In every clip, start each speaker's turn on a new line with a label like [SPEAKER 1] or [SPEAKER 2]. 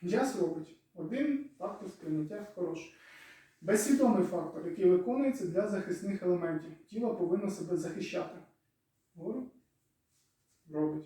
[SPEAKER 1] М'яз робить. Один фактор сприйняття хороший. Безсвідомий фактор, який виконується для захисних елементів. Тіло повинно себе захищати. Говорю? Робить.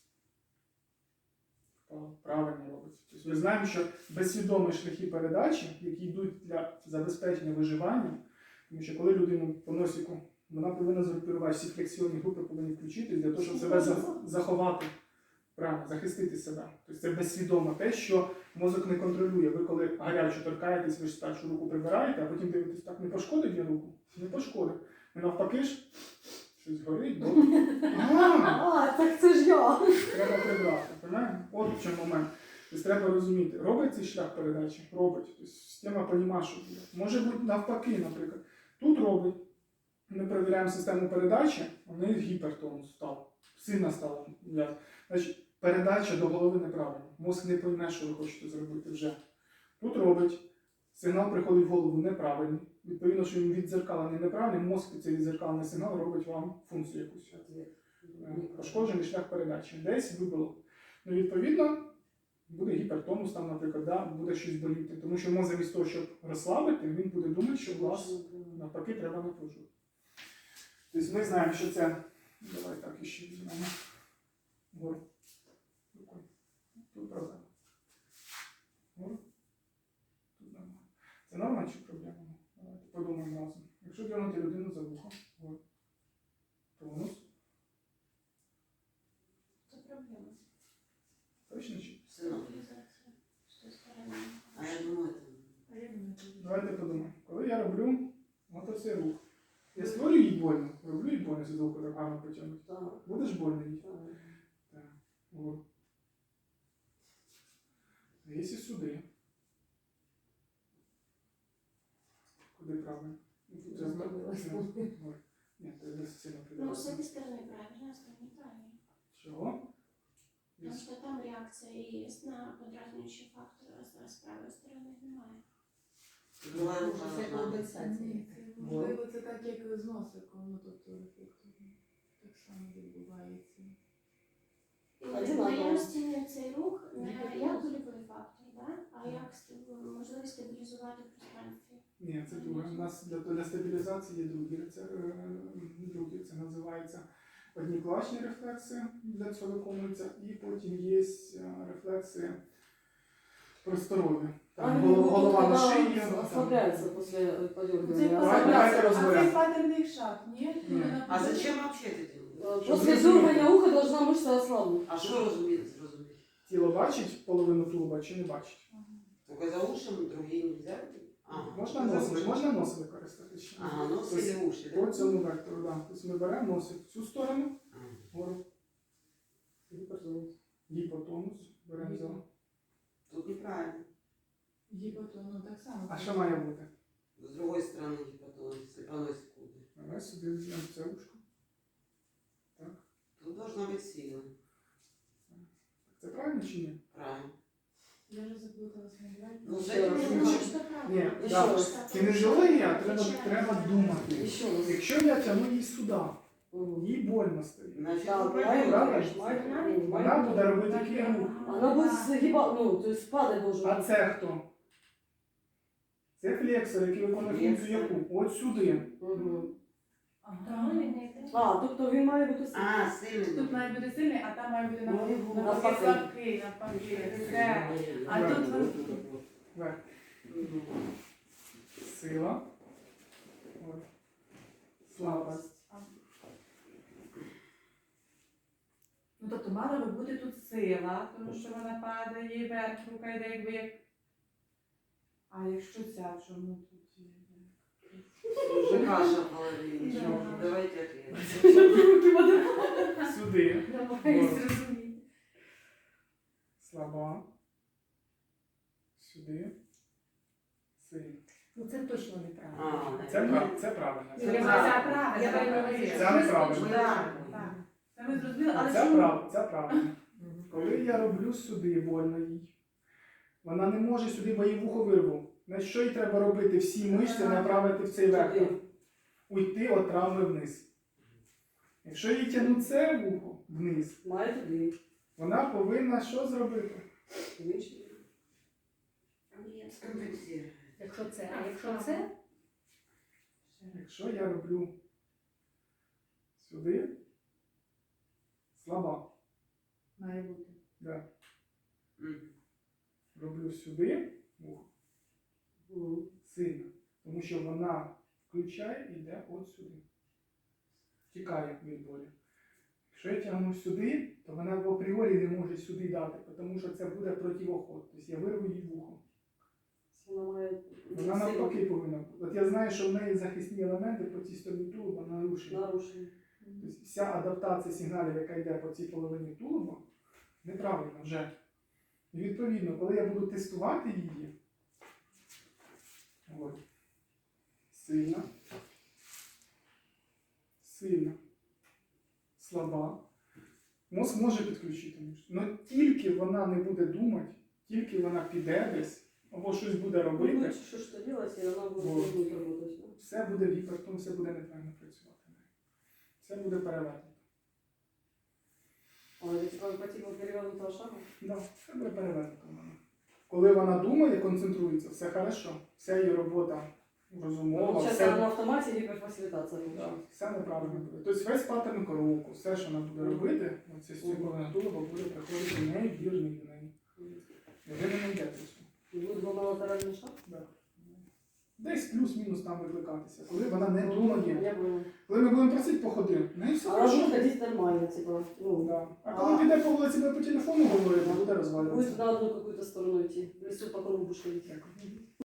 [SPEAKER 1] Правильно робить. Тобто ми знаємо, що безсвідомі шляхи передачі, які йдуть для забезпечення виживання, тому що коли людину по носику, вона повинна згрупувати, всі флексіонні групи повинні включитись для того, щоб себе заховати, правильно, захистити себе. Тобто це безсвідомо те, що мозок не контролює. Ви коли гаряче торкаєтесь, ви ж спершу руку прибираєте, а потім дивитесь, так, не пошкодить я руку? Не пошкодить. І навпаки ж, щось горить, добре.
[SPEAKER 2] Так це ж я.
[SPEAKER 1] Треба прибрати. Понимаєте? От в чому момент. Тобто треба розуміти, робить цей шлях передачі? Робить. Тобто система розуміє, що буде. Може бути навпаки, наприклад. Тут робить. Ми перевіряємо систему передачі, у неї гіпертонус став. Сильно стало. Значить, передача до голови неправильна. Мозк не пойме, що ви хочете зробити вже. Тут робить. Сигнал приходить в голову неправильний. Відповідно, що він віддзеркалений неправильний, мозк під цей віддзеркалений сигнал робить вам функцію якусь. Пошкоджений шлях передачі. Десь вибило. Ну, відповідно, буде гіпертонус там, наприклад, да, буде щось боліти. Тому що мозок замість того, щоб розслабити, він буде думати, що вас навпаки треба напружувати. Тобто ми знаємо, що це... Давай так іще візьмемо. Гору. Тут проблема. Гору. Тут нормально. Це норма чи проблема? Давайте подумаємо разом. Якщо дернути людину за вухо, гору. Тонус.
[SPEAKER 3] Це проблема.
[SPEAKER 1] Точно чи?
[SPEAKER 3] Стабілізація. З тої сторони.
[SPEAKER 4] А я думаю,
[SPEAKER 1] Давайте подумаємо. Коли я роблю оцей рух, я створюю їй больно. Роблю їй больно, з руку так гарно потягнути. Будеш больно їй? Так. Вот. А якщо сюди? Куди правильно? Ні, це не сильно
[SPEAKER 3] Ну,
[SPEAKER 1] придавати.
[SPEAKER 3] с этой стороны правильно, а с той неправильно.
[SPEAKER 1] Чого?
[SPEAKER 3] Потому что там реакция есть на подразнивающий фактор, а с правой стороны немає.
[SPEAKER 2] Це компенсація.
[SPEAKER 5] Можливо, це так, як з носиком, ну, тобто так само відбувається.
[SPEAKER 3] І в наявності не цей рух не як болівий фактор, да? А як можливість стабілізувати в пространстві.
[SPEAKER 1] Ні, це друге. У нас для стабілізації є другі. Це називається однікласні рефлекси, для цього виконуються, і потім є рефлекси просторові. Там голова на шиї.
[SPEAKER 2] Ослабляется после подергивания.
[SPEAKER 1] Давайте
[SPEAKER 5] А це
[SPEAKER 1] розберемо.
[SPEAKER 5] патерний шаг, ні?
[SPEAKER 1] Ні.
[SPEAKER 4] А зачем вообще это делать?
[SPEAKER 2] После дергания уха должна мышца ослабнуть.
[SPEAKER 4] А що розуміти?
[SPEAKER 1] Тіло бачить половину тулуба чи не бачить?
[SPEAKER 4] Только за ушем, другие нельзя?
[SPEAKER 1] Можна нос використати ще.
[SPEAKER 4] Ага, нос или уши,
[SPEAKER 1] По
[SPEAKER 4] да?
[SPEAKER 1] цьому вектору, да. Тобто ми беремо носик в цю сторону, вгору. Гіпотонус. Беремо за.
[SPEAKER 4] Тут неправильно.
[SPEAKER 5] Гіпотону так само.
[SPEAKER 1] А що має бути?
[SPEAKER 4] С другой стороны гипотонус, если поносит куда.
[SPEAKER 1] Давай сюди візьмемо це ушко. Так.
[SPEAKER 4] Тут должна быть сила.
[SPEAKER 1] Це правильно чи ні?
[SPEAKER 4] Правильно.
[SPEAKER 5] Я вже заплуталася,
[SPEAKER 4] Ну,
[SPEAKER 1] Ще
[SPEAKER 4] це
[SPEAKER 1] раз.
[SPEAKER 3] Ну,
[SPEAKER 1] Ні,
[SPEAKER 3] що правильно.
[SPEAKER 1] Ні,
[SPEAKER 2] Ще
[SPEAKER 1] да.
[SPEAKER 2] раз.
[SPEAKER 1] Кінезіологія, треба думати.
[SPEAKER 2] Еще раз.
[SPEAKER 1] Якщо я тягну її сюди, їй больно стає.
[SPEAKER 4] Значит,
[SPEAKER 2] Да,
[SPEAKER 4] ну,
[SPEAKER 2] правильно,
[SPEAKER 1] правильно. Вона буде робити такий рух.
[SPEAKER 2] Она будет сгибать, ну, то есть падать должен.
[SPEAKER 1] А це хто? Це флексор, який виконує функцію яку? От сюди.
[SPEAKER 2] Угу.
[SPEAKER 5] Ага.
[SPEAKER 2] Тобто він має бути сильний.
[SPEAKER 4] А, сильный.
[SPEAKER 5] Тут має бути сильний, а там має бути
[SPEAKER 2] Ну,
[SPEAKER 5] навпаки слабкий, навпаки. Все. А тут
[SPEAKER 1] Вверх. Сила. От. Слабость.
[SPEAKER 5] Ну, тобто мала би бути тут сила, тому що вона падає вверх, рука йде якби як... А якщо ця, в чому тут є?
[SPEAKER 4] Уже каша в голове.
[SPEAKER 5] Да.
[SPEAKER 4] Ничего, давайте ответ.
[SPEAKER 1] Сюди.
[SPEAKER 5] Намагаюсь зрозуміти.
[SPEAKER 1] Слаба. Сюди. Сильна.
[SPEAKER 2] Ну це точно неправильно.
[SPEAKER 1] Це правильно.
[SPEAKER 5] Це правильно.
[SPEAKER 2] Я правильно.
[SPEAKER 1] Це неправильно.
[SPEAKER 5] Так. Це ми зрозуміли, але
[SPEAKER 1] Це правильно. Коли я роблю сюди больно їй, вона не може сюди, бо їй вухо вирву. Значить, що їй треба робити? Всі мишці направити в цей вектор. Уйти від травми вниз. Якщо їй тягнути це вухо вниз,
[SPEAKER 2] Має туди.
[SPEAKER 1] вона повинна що зробити?
[SPEAKER 3] Андрія,
[SPEAKER 4] Скомпенсирует.
[SPEAKER 2] Якщо це, а якщо це,
[SPEAKER 1] Якщо я роблю сюди, слаба.
[SPEAKER 5] Має бути.
[SPEAKER 1] Да.
[SPEAKER 4] М.
[SPEAKER 1] Роблю сюди, сильно. Тому що вона включає і йде от сюди. Тікає від болі. Якщо я тягну сюди, то вона в апріорі не може сюди дати, тому що це буде противоход. Тобто я вирву їй вухо.
[SPEAKER 2] вона має
[SPEAKER 1] Вона навпаки повинна бути. От я знаю, що в неї захисні елементи по цій стороні тулуба нарушені.
[SPEAKER 2] нарушення.
[SPEAKER 1] Тобто вся адаптація сигналів, яка йде по цій половині тулуба, неправильна вже. І відповідно, коли я буду тестувати її, от, сильна, сильна, слаба, мозк може підключити. Але тільки вона не буде думати, тільки вона піде десь, або щось буде робити,
[SPEAKER 2] Ну, що ж то делать, і вона буде
[SPEAKER 1] Вот.
[SPEAKER 2] робити.
[SPEAKER 1] все буде гіпертон, все буде неправильно працювати. Все буде перевернуто.
[SPEAKER 2] Але типа по типу перевернутого шагу.
[SPEAKER 1] Да, все буде перевернуто в мене. Коли вона думає, концентрується, все хорошо. Вся її робота розумова,
[SPEAKER 2] Зараз
[SPEAKER 1] все,
[SPEAKER 2] на автоматі гіперфасилітація.
[SPEAKER 1] да, все неправильно буде. Тобто весь паттерн кроку, все, що вона буде робити, оце з цієї половини тулуба буде приходити невірний до неї. І ви не знайдете цього.
[SPEAKER 2] Буде двомолатеральний шаг.
[SPEAKER 1] Да. Десь плюс-мінус там викликатися. Коли вона не думає,
[SPEAKER 2] Я поняла.
[SPEAKER 1] коли ми будемо просити походи, ну і все
[SPEAKER 2] А
[SPEAKER 1] хорошо.
[SPEAKER 2] вона ходить нормально, типа, ну,
[SPEAKER 1] Да. А коли піде по вулиці, буде по телефону говорити, буде розвалюватися.
[SPEAKER 2] будет на одну какую-то сторону идти. В лесу по кругу будешь ходить.
[SPEAKER 1] Дякую.